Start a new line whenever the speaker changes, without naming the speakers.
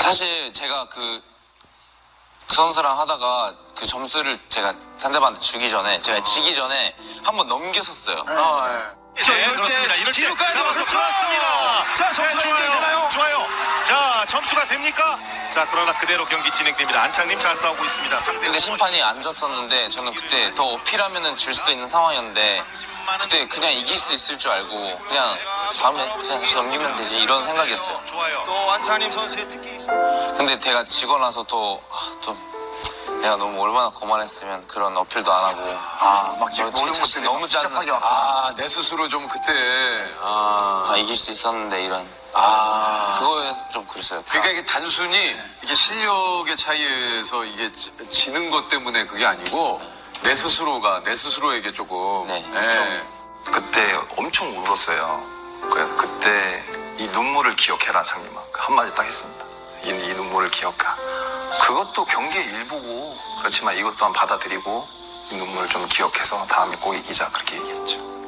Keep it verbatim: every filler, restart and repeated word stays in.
사실 제가 그, 그 선수랑 하다가 그 점수를 제가 상대방한테 주기 전에 제가 지기 전에 한번 넘겼었어요.
아, 예.
자, 이럴 그렇습니다. 이럴 때
뒤로 가야 돼요.
잡아서
그렇죠.
좋았습니다.
자, 점수가
네, 좋아요.
되나요?
좋아요. 자, 점수가 됩니까? 자, 그러나 그대로 경기 진행됩니다. 안창님 잘 싸우고 있습니다. 상대
근데 심판이 안 졌었는데 저는 그때 더 어필하면은 질 수도 있는 상황이었는데 그때 그냥 이길 수 있을 줄 알고 그냥 다음에 그냥 다시 넘기면 되지 이런 생각이었어요.
좋아요.
또 안창님 선수의 특기.
근데 제가 지고 나서 또, 아, 또 내가 너무 얼마나 거만했으면 그런 어필도 안 하고
아, 막
저
모든
자신
것들이
너무 짜증났어요.
아, 내 스스로 좀 그때. 아,
아 이길 수 있었는데 이런
아.
그거에서 좀 그랬어요.
그러니까 이게 단순히 이게 실력의 차이에서 이게 지- 지는 것 때문에 그게 아니고 내 스스로가 내 스스로에게 조금.
네,
예.
그때 엄청 울었어요. 그래서 그때 이 눈물을 기억해라 창님아 그 한마디 딱 했습니다. 이, 이 눈물을 기억하. 그것도 경기의 일부고 그렇지만 이것 또한 받아들이고 이 눈물을 좀 기억해서 다음에 꼭 이기자 그렇게 얘기했죠.